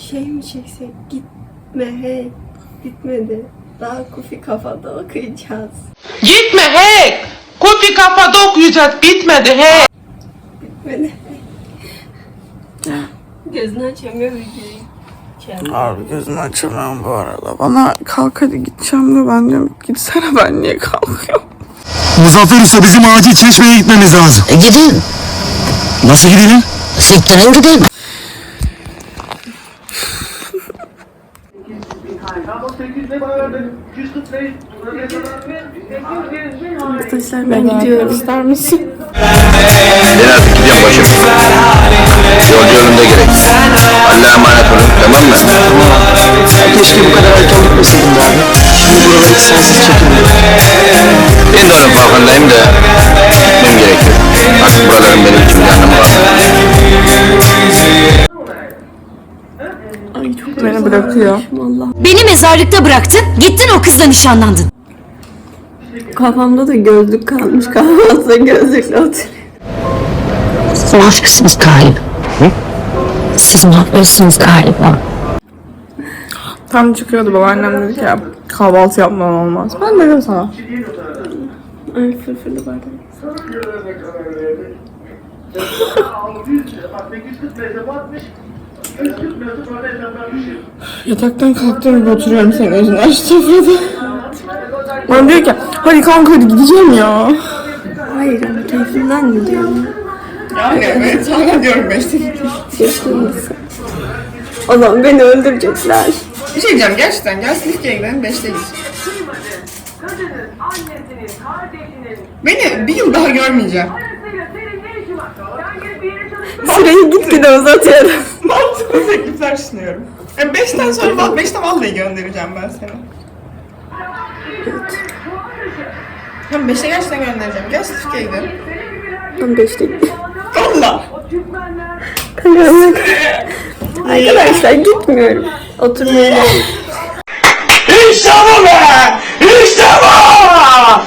Şey mi çeksek? Gitme hey. Bitmedi. Daha kufi kafada okuyacağız. Gitme hey! Kufi kafada okuyacağız. Bitmedi hey! Bitmedi. Gözünü açamıyor videoyu. Abi gözümü açamıyorum bu arada. Bana kalk hadi gideceğim de ben diyorum gitsene ben niye kalkıyorum? Muzaffer Usta bizim acil Çeşme'ye gitmemiz lazım. Gidin. Nasıl gidelim? Siktirin gidin. Arkadaşlar ben gidiyorum. İster misin? Ben artık gidiyorum başım. Yolcu önümde gerek. Allah'a emanet olun, tamam mı? Keşke bu kadar erken gitmeseydim be abi. Şimdi buraları sensiz çekilmiyor. Ben de onun farkındayım da gitmem gerekiyor. Artık buraların benim için bir anlamı var. Ay çok beni bırakıyor. Vallahi. Beni mezarlıkta bıraktın, gittin o kızla nişanlandın. Kafamda da gözlük kalmış. Kafamda gözlükle oturuyor. Siz aşıksınız galiba. Siz mahvolsunuz galiba. Tam çıkıyordu babaannem dedi ki ya, kahvaltı yapman olmaz. Ben dedim sana. Ay fırfırlı bardak. Yataktan kalktım gibi oturuyorum senin özünü açtım burada. Bana diyor ki hadi kanka hadi gideceğim ya. Hayır ama keyfimden mi diyorum? Yani evet hala diyorum 5'te gideceğim. Yaşlanmışsın. O zaman beni öldürecekler. Bir şey diyeceğim gerçekten gel Silifke'ye gidelim 5'te gideceğim. Beni bir yıl daha görmeyeceğim. Süreyi gitgide uzatıyorum. Mantıklı teklifler sunuyorum. 5'ten sonra 5'te vallahi göndereceğim ben seni. Hem 5'te gerçekten göndereceğim. Gel Silifke'ye gidelim. Ben 5'te gidiyorum. Allah! Arkadaşlar gitmiyorum. Oturmaya geldim. İşte bu be! İşte bu!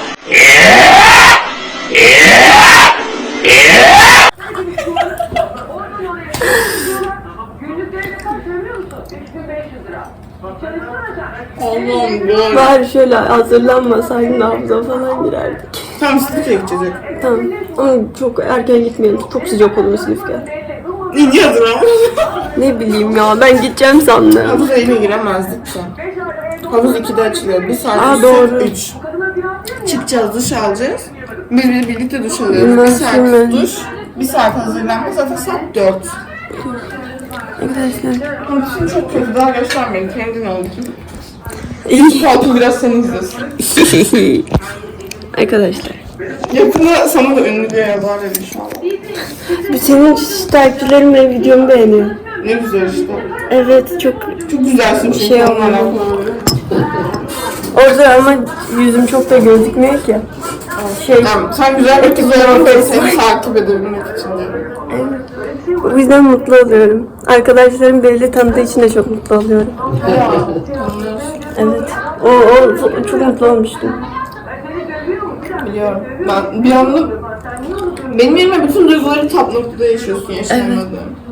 Allah'ım böyle. Bari şöyle hazırlanmasaydın hafıza falan girerdik. Tamam Silifke'ye gideceğiz. Tamam. Ama çok erken gitmeyelim. Çok sıcak olur Silifke. İyi hazırlanmış. Ne bileyim ya ben gideceğim sandım. Havuza yine giremezdik ki. Havuz 2'de açılıyor. 1 saat Aa, doğru. 3. Çıkacağız, duş alacağız. Biz birlikte duş alıyoruz. 1 Nasıl saat mi? duş, 1 saat hazırlanma. Zaten saat 4. Arkadaşlar. Şimdi çok kötü. Daha göstermeyin. Kendin ol. İyi. Koltuğu biraz sen izlesin. Arkadaşlar. Yakında sana da ünlü diye yazar dedi şu an. Senin takipçilerim videomu beğeniyor. Ne güzel işte. Evet çok Çok güzelsin çünkü Şey onunla olmadı. alakalı. orada ama yüzüm çok da gözükmüyor ki. Şey Tamam, sen güzel bir kız olarak seni takip edebilmek için diyorum. o yüzden mutlu oluyorum. Arkadaşlarım belli tanıdığı için de çok mutlu oluyorum. Evet. O çok mutlu olmuştum. Biliyorum. Ben bir anda benim yerime bütün duyguları tap noktada yaşıyorsun yaşayamadığım.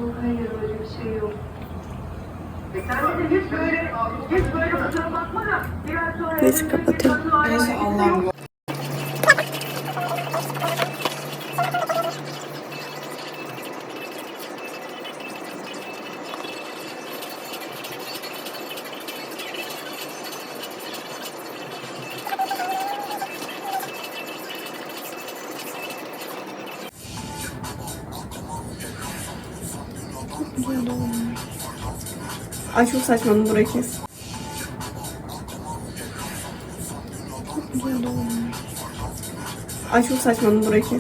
Neyse kapatıyorum. Neyse Allah'ım. Ay çok saçma burayı kes. Ay çok saçma burayı kes.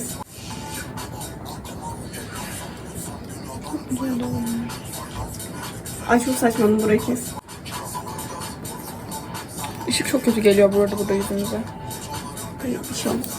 Ay çok saçma burayı kes. Işık çok kötü geliyor bu arada burada yüzümüze. Hayır bir şey olmaz.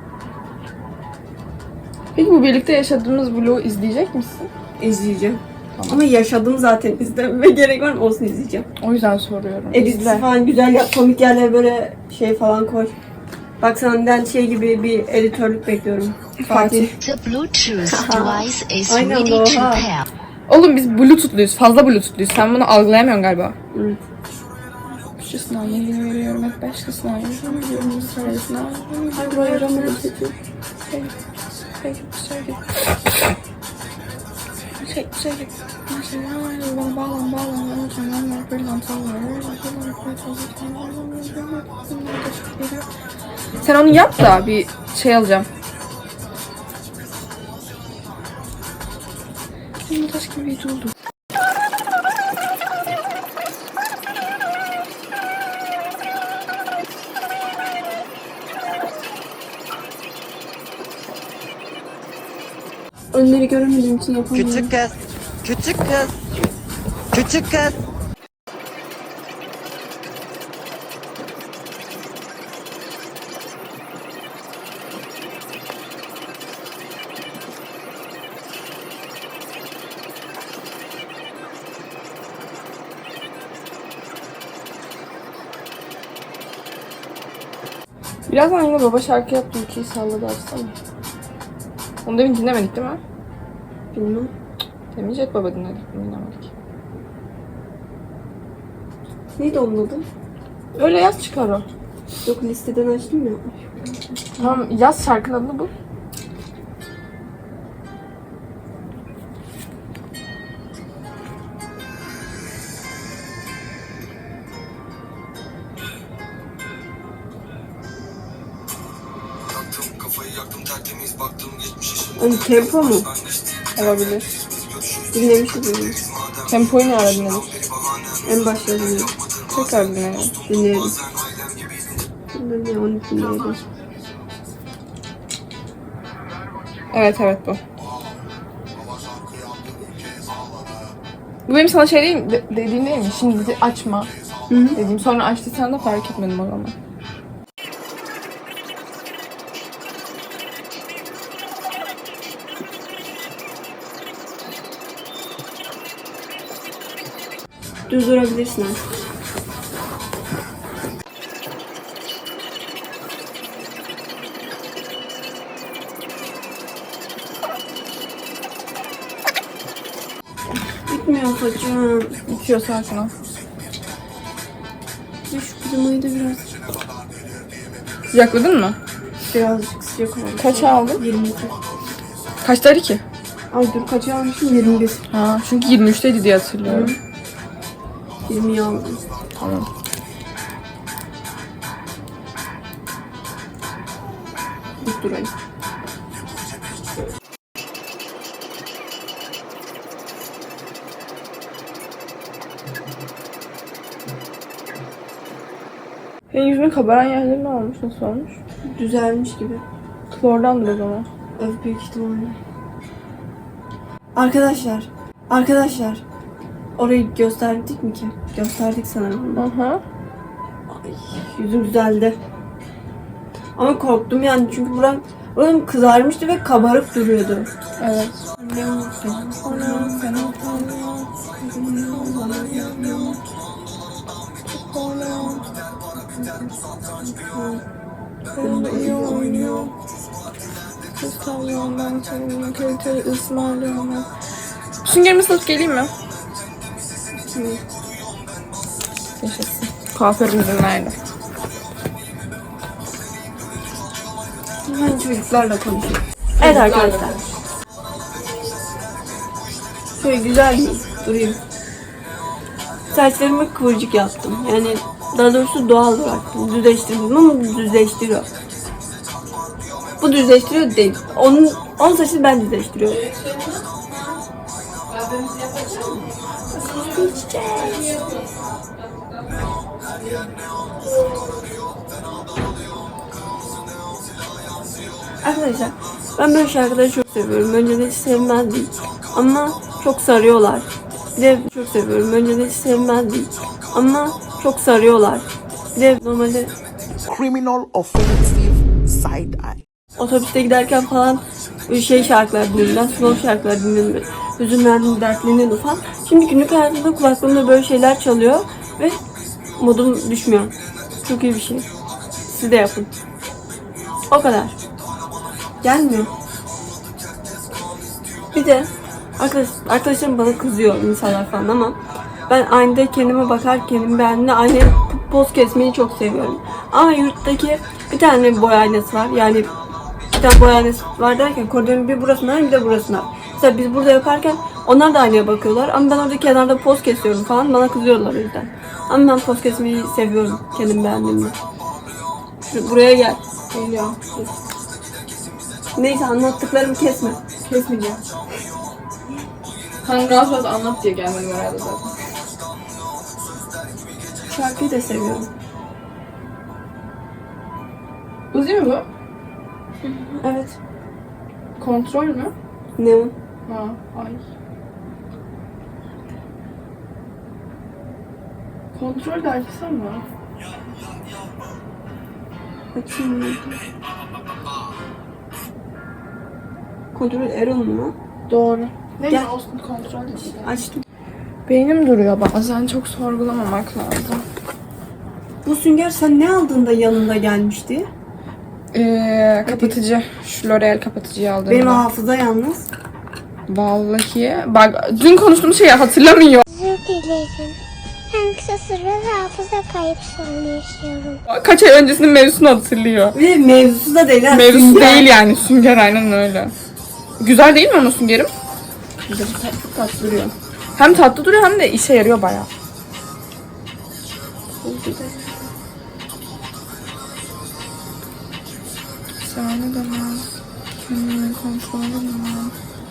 Peki bu birlikte yaşadığımız vlogu izleyecek misin? İzleyeceğim. Ama yaşadım zaten, izlememe gerek var mı? Olsun, izleyeceğim. O yüzden soruyorum. Edit falan güzel yap, komik yerlere böyle şey falan koy. Bak senden şey gibi bir editörlük bekliyorum. Fatih. The Bluetooth device is Aynen, ready to oha. pair. Oğlum biz Bluetooth'luyuz. Fazla Bluetooth'luyuz. Sen bunu algılayamıyorsun galiba. Evet. Şu sınav yeni veriyorum. Hep başka sınav veriyorum. Sonra sınav. Hadi bayramını seçin. Sen onu yap da bir şey alacağım. Bu taş gibi bir oldu. Önleri göremediğim için yapamıyorum. Küçük kız. Küçük kız. Küçük kız. Birazdan yine baba şarkı yaptı. Ülkeyi salladı, açsana. Onu demin dinlemedik değil mi? Bilmem. Demin Jet Baba dinledik. Dinlemedik. Neydi onun adı? Öyle yaz çıkar o. Yok, listeden açtım ya. Tamam, yaz şarkının adını bul. Hani tempo mu? Olabilir. Dinlemişiz onu. Tempoyu ne ara dinledik? En başta dinledim. Tekrar dinleyelim. Dinleyelim. Bilmiyorum ya, onu dinleyelim. Evet bu. Bu benim sana şey değil, dediğim değil mi? Şimdi açma. Dediğim, sonra açtıysan da fark etmedim o zaman. Düz durabilirsin artık. Bitmiyor saçım. Bitiyor sakin ol. Şu klimayı da Sıcakladın mı? birazcık sıcak oldu. Kaça aldın? 22. Kaçtaydı ki? Ay dur, kaça almışım? 21. Ha, çünkü 23'teydi diye hatırlıyorum. 20'yi aldım. Tamam. Dik durayım. Senin yüzünün kabaran yerleri ne olmuş? Nasıl olmuş? Düzelmiş gibi. Klordandır o zaman. Evet, büyük ihtimalle. Arkadaşlar. Orayı gösterdik mi ki? Gösterdik sanırım. Aha. Ay, yüzüm düzeldi. Ama korktum yani, çünkü buram kızarmıştı ve kabarık duruyordu. Evet. Süngerimi satıp geleyim mi? Yaşasın. Kuaförüm izin verdi. Ben çocuklarla konuşuyorum. Evet arkadaşlar. Şöyle güzel durayım. Saçlarımı kıvırcık yaptım. Yani daha doğrusu doğal bıraktım. Düzleştirdim ama düzleştiriyor. Bu düzleştiriyor değil. Onun saçını ben düzleştiriyorum. Arkadaşlar, ben böyle şarkıları çok seviyorum. Önceden hiç sevmezdim ama çok sarıyorlar. Bir de çok seviyorum. Önceden hiç sevmezdim ama çok sarıyorlar. Bir de normalde Criminal offensive side eye. otobüste giderken falan böyle şey şarkılar dinliyorum. Ben slow şarkılar dinliyorum. hüzünlendim, dertleniyordum falan. Şimdi günlük hayatımda kulaklığımda böyle şeyler çalıyor ve modum düşmüyor. Çok iyi bir şey. Siz de yapın. O kadar. Gelmiyor. Bir de arkadaşlarım bana kızıyor insanlar falan ama ben aynada kendime bakar, kendimi beğendiğimde aynaya poz kesmeyi çok seviyorum. Ama yurttaki bir tane boy aynası var. Yani bir tane boy aynası var derken koridorun bir burasına bir de burasına. Mesela biz burada yaparken onlar da aynaya bakıyorlar ama ben orada kenarda poz kesiyorum falan, bana kızıyorlar o yüzden. Ama ben poz kesmeyi seviyorum kendimi beğendiğimde. Buraya gel. Geliyor. Neyse anlattıklarımı kesme. Kesmeyeceğim. Hani rahat rahat anlat diye gelmedim herhalde zaten. Şarkıyı da seviyorum. Uzi mi bu? Evet. Kontrol mü? Ne o? Ha, ay. Kontrol de açsam mı? Açayım. Kontrol Erol mu? Doğru. Neyse Gel. olsun, kontrol işte. Açtım. Beynim duruyor bazen, çok sorgulamamak lazım. Bu sünger sen ne aldığında yanında gelmişti? Kapatıcı. Şu L'Oreal kapatıcıyı aldım. Benim hafıza yalnız. Vallahi. Bak dün konuştuğumuz şeyi hatırlamıyor. Özür dilerim. En kısa sürede hafıza kayıp sorunu yaşıyorum. Kaç ay öncesinin mevzusunu hatırlıyor. Ve mevzusu da değil. ha, Mevzusu sünger. değil yani. Sünger aynen öyle. Güzel değil mi ama süngerim? Güzel, çok tatlı duruyor. Hem tatlı duruyor hem de işe yarıyor bayağı. Sana demem. Kendimi kontrol edemem.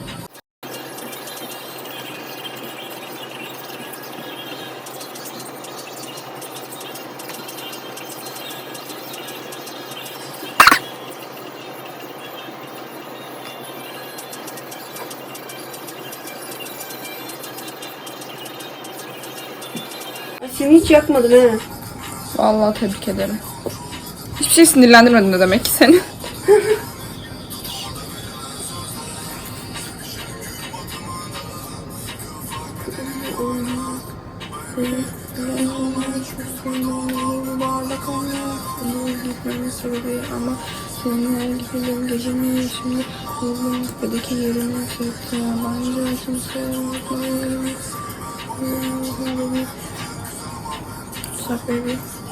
Seni hiç yakmadım he. Vallahi tebrik ederim. Hiçbir şey sinirlendirmedin de demek ki seni. Ama seninle gidelim gecenin şimdi bizim kupedeki yerimi çekti. Bence kimse unutmayalım. What's up, baby?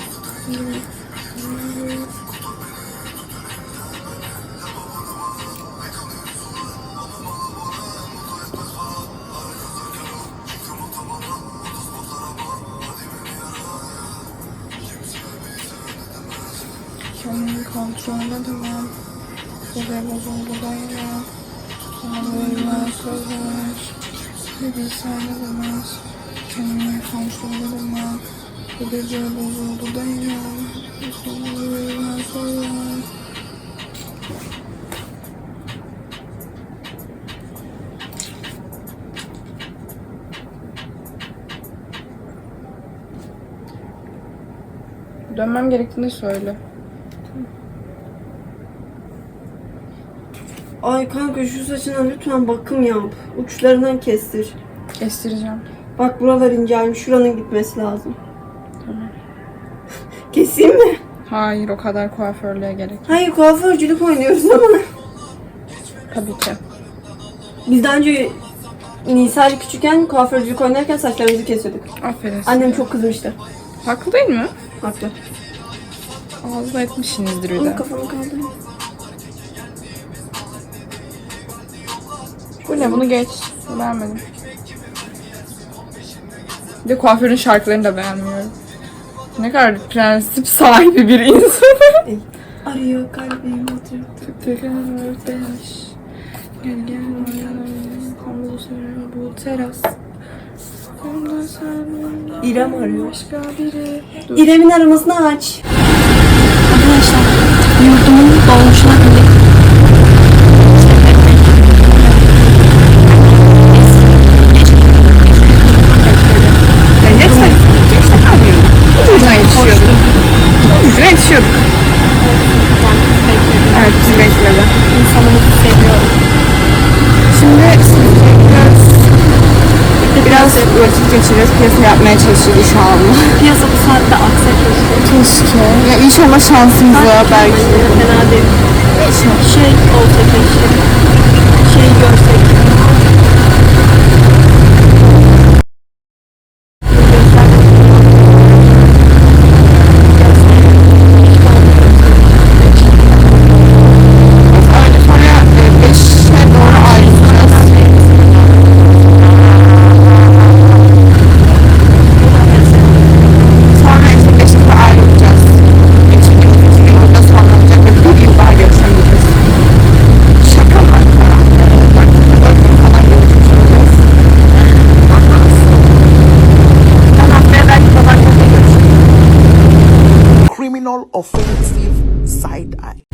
Kendimi kontrol edemem. Gece bozuldu dayanamam. Kendime söz ver. Bir bilsen edemez. Kendimi kontrol edemem. Bu gece bozuldu dayanamam. Kendime söz ver. Dönmem gerektiğini söyle. Ay kanka şu saçına lütfen bakım yap. Uçlarından kestir. Kestireceğim. Bak buralar incelmiş. Şuranın gitmesi lazım. Tamam. Keseyim mi? Hayır, o kadar kuaförlüğe gerek yok. Hayır kuaförcülük oynuyoruz ama. Tabii ki. Biz daha önce Nisa ile küçükken kuaförcülük oynarken saçlarımızı kesiyorduk. Aferin size. Annem çok kızmıştı. Haklı değil mi? Haklı. Ağzına etmişsinizdir bir Ama de. kafamı kaldırayım. Bu ne? Bunu geç. Beğenmedim. Bir de kuaförün şarkılarını da beğenmiyorum. Ne kadar prensip sahibi bir insan. Arıyor kalbim atıyor. Gel gel bu teras. İrem arıyor. Başka biri. İrem'in aramasını aç. Arkadaşlar yurdumun dolmuşuna bindik. Ucuna yetişiyorduk. Ucuna yetişiyorduk. Evet, bizi bekledi. İnsanımızı seviyorum. Şimdi sizi bekliyoruz. Biraz vakit geçiririz, piyasa yapmaya çalışırız inşallah. Piyasa bu saatte aksak. Keşke. Ya inşallah şansımıza belki. Fena değil. Şey olsa keşke. Şey görsek. Criminal offensive side eye.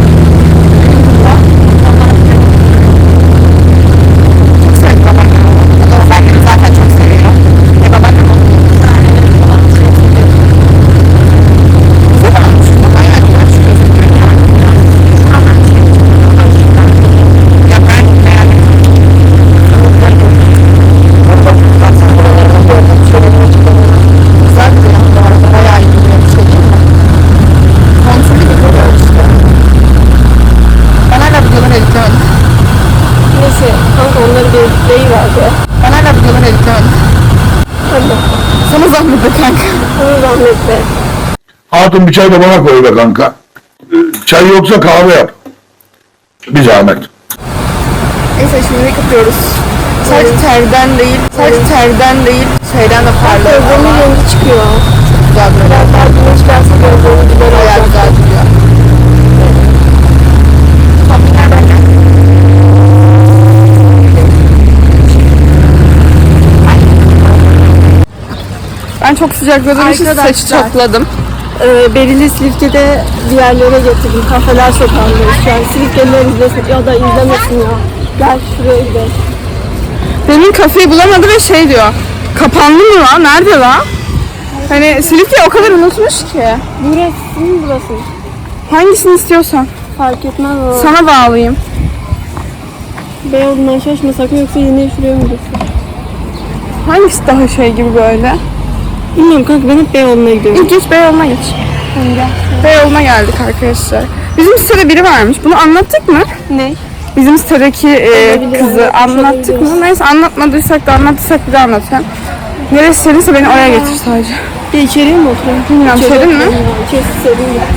Neyse kanka onları bir deyiverdi. Ben hala videoları editlemedim. Hadi. Sana zahmet be kanka. Sana zahmet be. Hatun bir çay da bana koy be kanka. Çay yoksa kahve yap. Bir zahmet. Neyse şimdi kapıyoruz. Sadece terden değil, şeyden de parlıyor. Gözlerimin rengi çıkıyor. Güzel böyle. Daha güneş gelse gözlerim güzel Bayağı olacak. güzel duruyor. Ben çok sıcakladığım için saçı topladım. Beril'i Silifke'de bir yerlere getirdim. Kafeler sokağındayız şu an. Silifkeliler izlesin ya da izlemesin ya. Gel şuraya gidelim. Demin kafeyi bulamadı ve şey diyor. Kapandı mı lan? Nerede lan? Hani Silifke o kadar unutmuş ki. Burası mı burası? Hangisini istiyorsan. Fark etmez ama. Sana bağlayayım. Beyoğlu'ndan şaşmasak mı yoksa yine şuraya mı gitsek? Hangisi daha şey gibi böyle? Bilmiyorum kanka ben hep Beyoğlu'na gidiyorum. İlk geç Beyoğlu'na geç. Beyoğlu'na geldik arkadaşlar. Bizim sitede biri varmış. Bunu anlattık mı? Ne? Bizim sitedeki kızı anlattık mı? olabiliriz. Neyse anlatmadıysak da anlattıysak bir de anlatayım. Neresi serinse beni oraya getir sadece. Bir içeriye mi oturalım? Bilmiyorum, serin mi? İçerisi serin ya.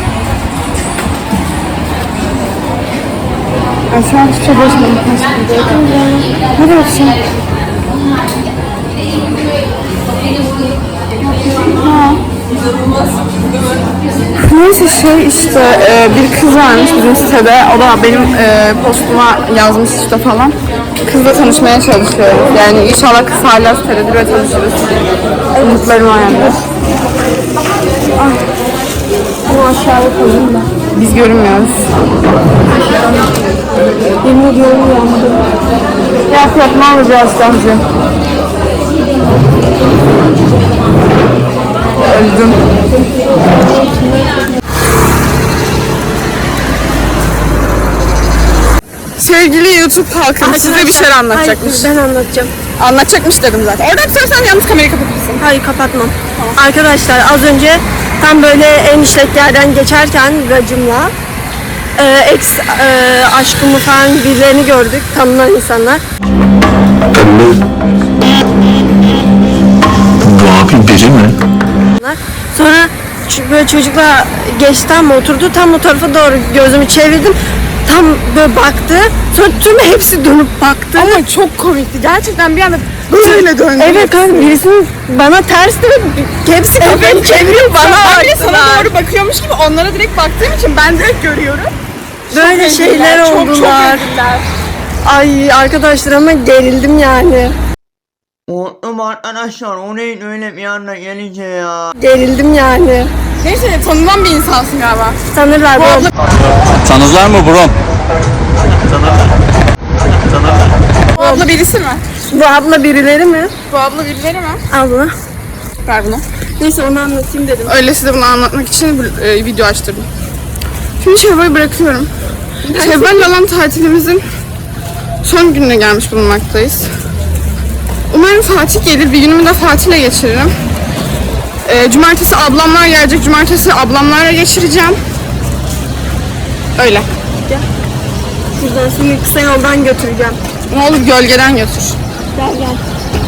Ben şu an hiçbir şey boşmadım. Hadi bakayım. Neyse şey işte bir kız varmış bizim sitede. O da benim postuma yazmış işte falan. Kızla tanışmaya çalışıyoruz. Yani inşallah kız hala sitededir ve tanışırız. Umutlarım var yani. Bunu aşağıya koyayım da. Biz görünmüyoruz. Yemin ediyorum yandı. Yok ne olur biraz Damcı. Öldüm. Sevgili YouTube halkı size bir şey anlatacakmış. Hayır, ben anlatacağım. Anlatacakmış dedim zaten. Oradan tutarsan yalnız kamerayı kapatırsın. Hayır kapatmam. Arkadaşlar az önce tam böyle en işlek yerden geçerken racımla ex aşkımı falan birilerini gördük. Tanınan insanlar. Bu abi biri mi? Sonra böyle çocukla geçti ama oturdu. Tam o tarafa doğru gözümü çevirdim. Tam böyle baktı. Sonra tüm hepsi dönüp baktı. Ama çok komikti. Gerçekten bir anda böyle döndü. Evet kanka birisinin bana ters de hepsi kafayı çeviriyor bana. Ben de sana doğru bakıyormuş gibi onlara direkt baktığım için ben direkt görüyorum. Böyle şeyler oldular. Çok öldüler. Ay arkadaşlar ama gerildim yani. Unuttum arkadaşlar o neyin öyle bir anda gelince ya. Gerildim yani. Neyse tanınan bir insansın galiba. Tanırlar bu abla. Tanızlar mı bro? Bu abla birisi mi? Bu abla birileri mi? Bu abla birileri mi? Abla. Ver bunu. Neyse onu anlatayım dedim. Öyle size bunu anlatmak için video açtırdım. Şimdi Şevval'i bırakıyorum. Şevval'le olan tatilimizin son gününe gelmiş bulunmaktayız. Umarım yarın Fatih gelir. Bir günümü de Fatih'le geçiririm. Cumartesi ablamlar gelecek. Cumartesi ablamlarla geçireceğim. Öyle. Gel. Şuradan şimdi kısa yoldan götüreceğim. Ne olur gölgeden götür. Gel gel.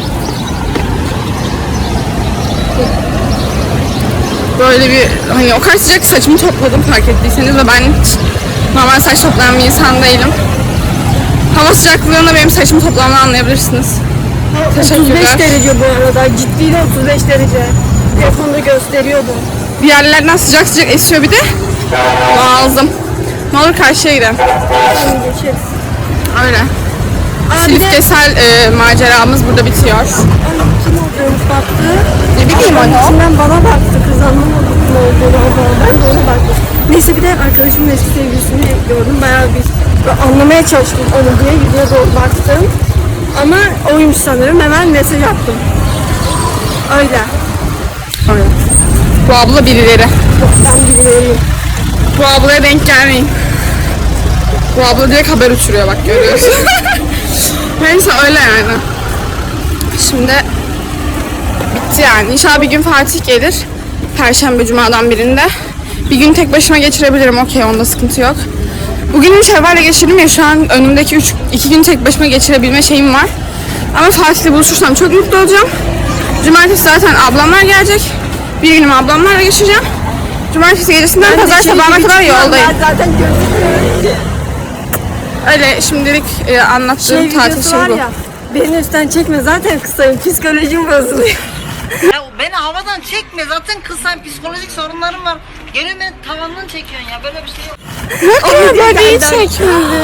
Böyle bir hani o kadar sıcak saçımı topladım fark ettiyseniz ve ben hiç normal saç toplayan bir insan değilim. Hava sıcaklığında benim saçımı toplamını anlayabilirsiniz. 35 derece bu arada. Ciddi de 35 derece. Telefonda gösteriyordu. Bir yerlerden sıcak sıcak esiyor bir de. Lazım. Ne olur karşıya gidelim. Şimdi geçeriz. Öyle. Bir de Silifkesel maceramız burada bitiyor. kim olduğunu baktı. Ne bileyim onu. İçinden bana baktı. Kız anlamadım ne olduğunu ama ben de ona baktım. Neyse bir de arkadaşımın eski sevgilisini gördüm. Bayağı bir böyle anlamaya çalıştım onu diye. Yüzüne doğru baktım. Ama oymuş sanırım. Hemen mesaj attım. Öyle. Öyle. Bu abla birileri. Ben bilmiyorum. Bu ablaya denk gelmeyin. Bu abla direkt haber uçuruyor bak görüyorsun. Neyse öyle yani. Şimdi bitti yani. İnşallah bir gün Fatih gelir. Perşembe cumadan birinde. Bir gün tek başıma geçirebilirim. Okey, onda sıkıntı yok. Bugün Şevval'le geçirdim ya, şu an önümdeki 2 gün tek başıma geçirebilme şeyim var. Ama Fatih'le buluşursam çok mutlu olacağım. Cumartesi zaten ablamlar gelecek. Bir günümü ablamlarla geçireceğim. Cumartesi gecesinden pazar sabahına kadar yoldayım. Zaten gözükmüyor. Öyle şimdilik anlattığım tatil şey bu. Ya, beni üstten çekme, zaten kısayım, psikolojim bozuluyor. Ya beni havadan çekme, zaten kısayım, psikolojik sorunlarım var. Geliyor beni tavandan çekiyorsun ya, böyle bir şey yok. Ama böceği çekmedi.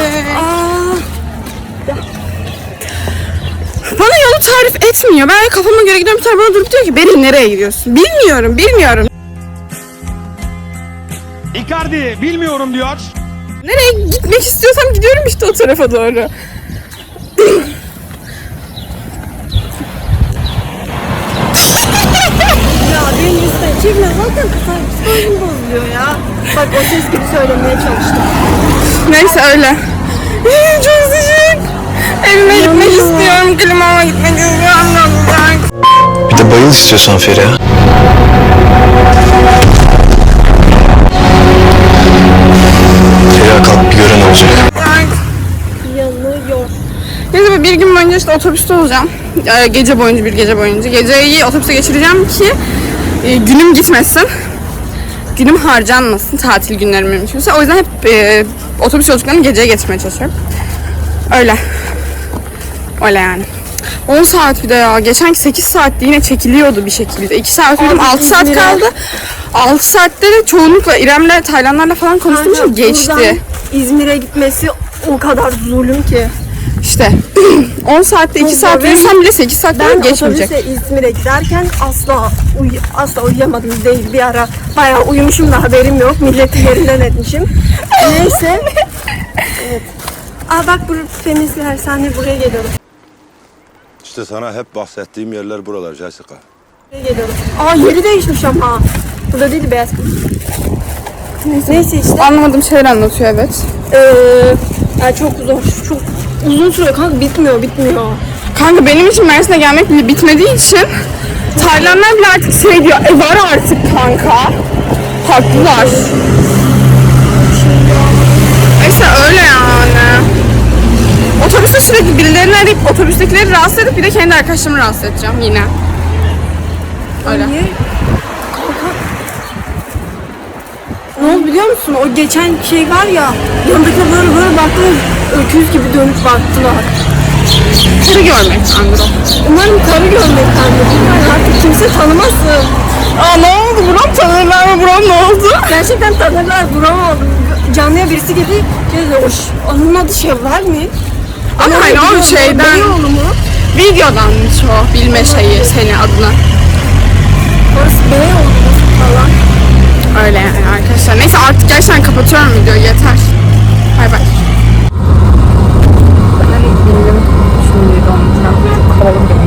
Bana yolu tarif etmiyor. Ben kafama göre gidiyorum, bir tane bana durup diyor ki Beril nereye gidiyorsun? Bilmiyorum. Icardi bilmiyorum diyor. Nereye gitmek istiyorsam gidiyorum işte o tarafa doğru. Ya beni üstten çekme, zaten kısayım, psikolojim bozuluyor ya. Bak o ses gibi söylemeye çalıştım. Neyse öyle. Çok sıcak. Evime gitmek istiyorum. Klimama gitmek istiyorum. Bir de bayıl istiyorsan Feriha. Feriha kalk bir gören olacak. Yanıyor. Neyse bir gün boyunca işte otobüste olacağım. Bir gece boyunca. Geceyi otobüse geçireceğim ki günüm gitmesin. Günüm harcanmasın, tatil günlerim mümkünse. O yüzden hep otobüs yolculuklarını geceye geçmeye çalışıyorum. Öyle yani. 10 saat bir de ya. Geçenki 8 saatte yine çekiliyordu bir şekilde. 2 saat uyudum, 6 saat kaldı. 6 saatte de çoğunlukla İrem'le, Taylanlarla falan konuştuğum için geçti. İzmir'e gitmesi o kadar zulüm ki. İşte 10 saatte 2 saat uyusam bile 8 saat geçmeyecek. Ben otobüse İzmir'e giderken asla uyuyamadım değil. Bir ara bayağı uyumuşum da haberim yok. Milleti yerinden etmişim. Neyse. Evet. Bak bu feministler sahne buraya geliyorum. İşte sana hep bahsettiğim yerler buralar Jessica. Buraya geliyorum. Yeri değişmiş ama. Burada değil, beyaz kız. Neyse işte. Anlamadığım şeyler anlatıyor, evet. Yani çok uzun sürüyor kanka, bitmiyor. Kanka benim için Mersin'e gelmek bile bitmediği için Taylanlar bile artık şey diyor, var artık kanka. Haklılar. Neyse öyle yani. Otobüste sürekli birilerini arayıp otobüstekileri rahatsız edip bir de kendi arkadaşlarımı rahatsız edeceğim yine. Öyle. Niye? Kanka. Ne oldu biliyor musun? O geçen şey var ya, yanındakiler böyle baktılar, öküz gibi dönüp baktılar. Karı görmek Andro. Umarım karı görmektendir. Yani artık kimse tanımasın. Ne oldu? Buram tanırlar mı? Buram ne oldu? Gerçekten tanırlar. Buram oldu. Canlıya birisi geldi. Onun adı Şevval mi? Ama hani o şeyden, Beyoğlu mu? videodanmış o bilme şeyi, senin adına. Orası Beyoğlu mu falan. Öyle yani arkadaşlar. Neyse artık gerçekten kapatıyorum videoyu, yeter. Bay bay. Ben indim. Şimdi donacağım. Çok havalı bir